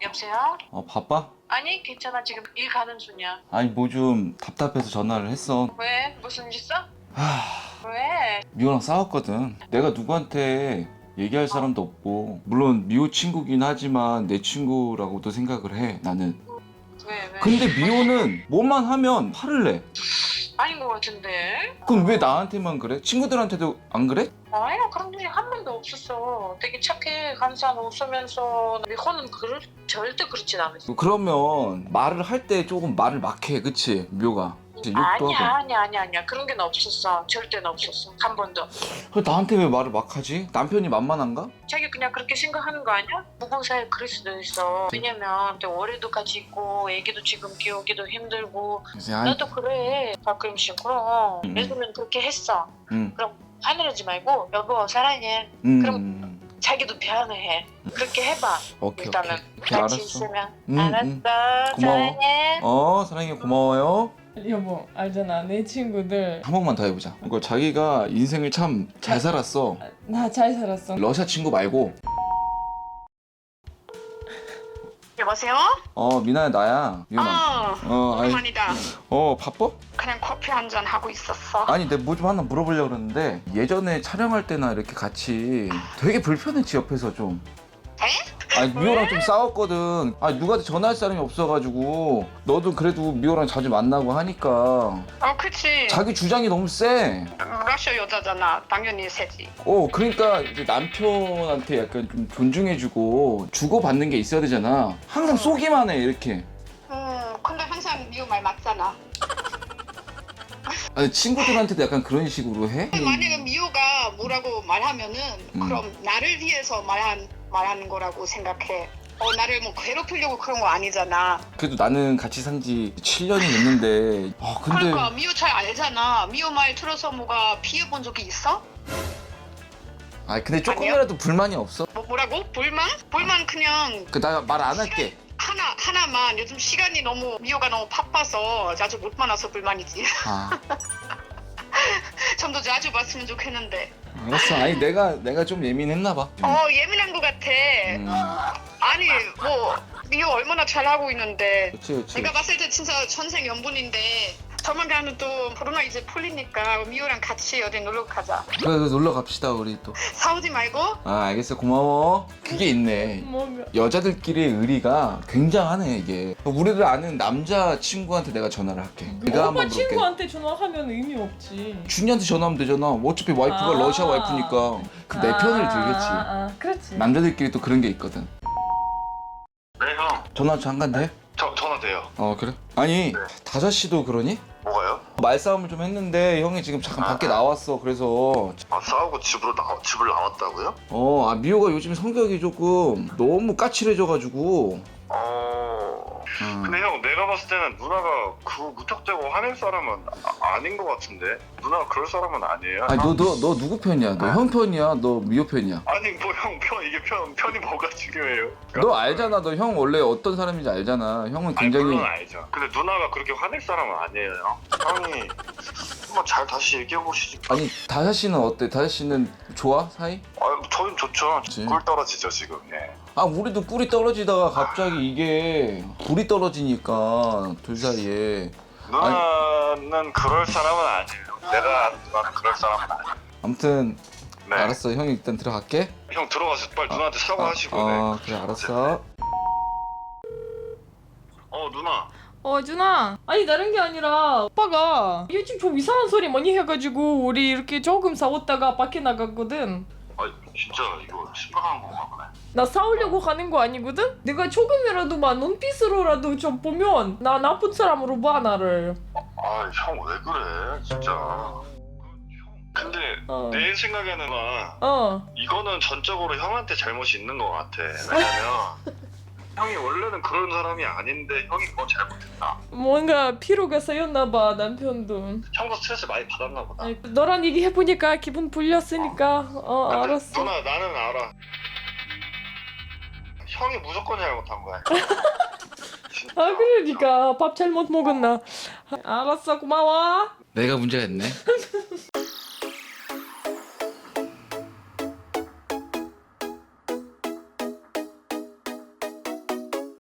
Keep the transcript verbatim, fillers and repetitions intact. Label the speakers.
Speaker 1: 여보세요?
Speaker 2: 어 바빠?
Speaker 1: 아니 괜찮아 지금 일 가는 중이야.
Speaker 2: 아니 뭐 좀 답답해서 전화를 했어.
Speaker 1: 왜? 무슨 일 있어?
Speaker 2: 하...
Speaker 1: 왜?
Speaker 2: 미호랑 싸웠거든. 내가 누구한테 얘기할 사람도 없고, 물론 미호 친구긴 하지만 내 친구라고도 생각을 해 나는.
Speaker 1: 왜 왜?
Speaker 2: 근데 미호는 뭐만 하면 화를 내.
Speaker 1: 아닌 것 같은데?
Speaker 2: 그럼 왜 나한테만 그래? 친구들한테도 안 그래?
Speaker 1: 아니야 그런 일이 한 번도 없었어. 되게 착해 간사한 웃으면서 미호는 그럴, 절대 그렇진 않았어.
Speaker 2: 그러면 말을 할 때 조금 말을 막해, 그치? 미호가 이제 욕도
Speaker 1: 아니야
Speaker 2: 하고.
Speaker 1: 아니야 아니야 아니야 그런 게 없었어. 절대는 없었어. 한 번도.
Speaker 2: 그래, 나한테 왜 말을 막하지? 남편이 만만한가?
Speaker 1: 자기 그냥 그렇게 생각하는 거 아니야? 부부 사이에 그럴 수도 있어. 왜냐면 또 올해도 같이 있고 애기도 지금 키우기도 힘들고
Speaker 2: 그래서 아이,
Speaker 1: 나도 그래 가끔씩. 그럼
Speaker 2: 음.
Speaker 1: 예전엔 그렇게 했어.
Speaker 2: 응,
Speaker 1: 그럼 하늘하지 말고 여보 사랑해.
Speaker 2: 응,
Speaker 1: 그럼
Speaker 2: 응.
Speaker 1: 자기도 변해. 그렇게 해봐.
Speaker 2: 오케이,
Speaker 1: 일단은
Speaker 2: 오케이. 오케이,
Speaker 1: 같이
Speaker 2: 알았어.
Speaker 1: 있으면.
Speaker 2: 응,
Speaker 1: 알았어.
Speaker 2: 응. 고마워.
Speaker 1: 사랑해.
Speaker 2: 어, 사랑해, 고마워요.
Speaker 3: 여보 알잖아 내 친구들
Speaker 2: 한 번만 더 해보자. 이거 자기가 인생을 참 잘 살았어.
Speaker 3: 나 잘 살았어.
Speaker 2: 러시아 친구 말고.
Speaker 1: 여보세요?
Speaker 2: 어, 미나야, 나야. 미연아.
Speaker 1: 어.
Speaker 2: 어, 아니,
Speaker 1: 오랜만이다.
Speaker 2: 어, 바빠?
Speaker 1: 그냥 커피 한 잔 하고 있었어.
Speaker 2: 아니, 내가 뭐 좀 하나 물어보려고 그러는데, 예전에 촬영할 때나 이렇게 같이 되게 불편했지, 옆에서 좀.
Speaker 1: 에?
Speaker 2: 아니, 미호랑 좀 싸웠거든. 아니, 누구한테 전화할 사람이 없어가지고, 너도 그래도 미호랑 자주 만나고 하니까.
Speaker 1: 어 그치.
Speaker 2: 자기 주장이 너무 세.
Speaker 1: 러시아 여자잖아. 당연히 세지.
Speaker 2: 어, 그러니까 이제 남편한테 약간 좀 존중해주고 주고받는 게 있어야 되잖아. 항상 쏘기만 해, 이렇게.
Speaker 1: 음 근데 항상 미우 말 맞잖아.
Speaker 2: 아니, 친구들한테도 약간 그런 식으로 해?
Speaker 4: 만약에 미호가 뭐라고 말하면은
Speaker 2: 음.
Speaker 4: 그럼 나를 위해서 말한 말하는 거라고 생각해. 어 나를 뭐 괴롭히려고 그런 거 아니잖아.
Speaker 2: 그래도 나는 같이 산 지 칠 년이 됐는데, 아, 근데.
Speaker 4: 그러니까 미호 잘 알잖아. 미호 말 들어서 뭐가 피해 본 적이 있어?
Speaker 2: 아, 근데 조금이라도 불만이 없어?
Speaker 4: 뭐 뭐라고? 불만? 불만 그냥
Speaker 2: 그, 나 말 안 할게.
Speaker 4: 하나 하나만. 요즘 시간이 너무 미호가 너무 바빠서 자주 못 만나서 불만이지.
Speaker 2: 아,
Speaker 4: 좀 더 자주 봤으면 좋겠는데.
Speaker 2: 알았어. 아니, 내가, 내가 좀 예민했나봐.
Speaker 4: 어 예민한 거 같아.
Speaker 2: 음,
Speaker 4: 아니 뭐 미호 얼마나 잘하고 있는데.
Speaker 2: 그치, 그치.
Speaker 4: 내가 봤을 때 진짜 천생연분인데 조만간은 또 코로나 이제 풀리니까 미호랑 같이 어디 놀러 가자.
Speaker 2: 그래, 그래, 놀러 갑시다, 우리 또.
Speaker 4: 싸우지 말고.
Speaker 2: 아, 알겠어. 고마워. 그게 있네.
Speaker 3: 뭔가
Speaker 2: 여자들끼리의 의리가 굉장하네, 이게. 우리를 아는 남자 친구한테 내가 전화를 할게. 내가
Speaker 3: 오빠
Speaker 2: 한번 부를게.
Speaker 3: 친구한테 전화하면 의미 없지.
Speaker 2: 준이한테 전화하면 되잖아. 어차피 와이프가
Speaker 3: 아.
Speaker 2: 러시아 와이프니까 그 내
Speaker 3: 아,
Speaker 2: 편을 들겠지.
Speaker 3: 아, 아, 그렇지.
Speaker 2: 남자들끼리 또 그런 게 있거든.
Speaker 5: 네, 형.
Speaker 2: 전화 잠깐 돼?
Speaker 5: 저, 전화 돼요.
Speaker 2: 어, 그래? 아니,
Speaker 5: 네.
Speaker 2: 다섯 시도 그러니?
Speaker 5: 뭐가요?
Speaker 2: 말싸움을 좀 했는데 형이 지금 잠깐 밖에 나왔어. 그래서
Speaker 5: 아, 싸우고 집으로 나, 집을 나왔다고요?
Speaker 2: 어, 아, 미호가 요즘 성격이 조금 너무 까칠해져가지고.
Speaker 5: 어...
Speaker 2: 음.
Speaker 5: 근데 형, 내가 봤을 때는 누나가 그 무턱대고 화낼 사람은 아, 아닌 것 같은데? 누나가 그럴 사람은 아니에요?
Speaker 2: 아니, 너, 너, 너 누구 편이야? 너 형 편이야? 너 미호 편이야?
Speaker 5: 아니, 뭐 형 편, 이게 편, 편이 뭐가 중요해요?
Speaker 2: 너 알잖아. 너 형 원래 어떤 사람인지 알잖아. 형은
Speaker 5: 아니,
Speaker 2: 굉장히.
Speaker 5: 물론 알죠. 근데 누나가 그렇게 화낼 사람은 아니에요. 형이 한번 잘 다시 얘기해보시지.
Speaker 2: 아니, 다섯 씨는 어때? 다섯 씨는 좋아? 사이?
Speaker 5: 아, 저희는 좋죠.
Speaker 2: 그치.
Speaker 5: 꿀 떨어지죠, 지금. 예.
Speaker 2: 아, 우리도 꿀이 떨어지다가 갑자기 이게 불이 떨어지니까 둘 사이에.
Speaker 5: 누나는 그럴 사람은 아니에요. 내가 아는 누나는 그럴 사람은 아니에요.
Speaker 2: 아무튼
Speaker 5: 네.
Speaker 2: 알았어. 형이 일단 들어갈게.
Speaker 5: 형 들어가서 빨리 누나한테 사과하시고.
Speaker 2: 어,
Speaker 5: 네.
Speaker 2: 어, 그래, 알았어.
Speaker 5: 어, 누나.
Speaker 3: 어 준아 아니 다른 게 아니라 오빠가 요즘 좀 이상한 소리 많이 해가지고 우리 이렇게 조금 싸웠다가 밖에 나갔거든.
Speaker 5: 아, 진짜 이거 심각한 건가 보네.
Speaker 3: 나 싸우려고 하는 거 아니거든? 내가 조금이라도 막 눈빛으로라도 좀 보면 나 나쁜 사람으로 봐 나를.
Speaker 5: 아, 형 왜 그래, 진짜. 형, 근데
Speaker 3: 어.
Speaker 5: 내 생각에는 막
Speaker 3: 어.
Speaker 5: 이거는 전적으로 형한테 잘못이 있는 것 같아. 왜냐면 형이 원래는 그런 사람이 아닌데 형이 그건 잘못했다.
Speaker 3: 뭔가 피로가 쌓였나 봐 남편도.
Speaker 5: 형도 스트레스 많이 받았나 보다.
Speaker 3: 아니, 너랑 얘기해보니까 기분 풀렸으니까 어
Speaker 5: 근데
Speaker 3: 알았어.
Speaker 5: 누나, 나는 알아. 형이 무조건 잘못한 거야. 진짜.
Speaker 3: 아 그러니까 밥 잘못 먹었나. 알았어 고마워.
Speaker 2: 내가 문제가 있네.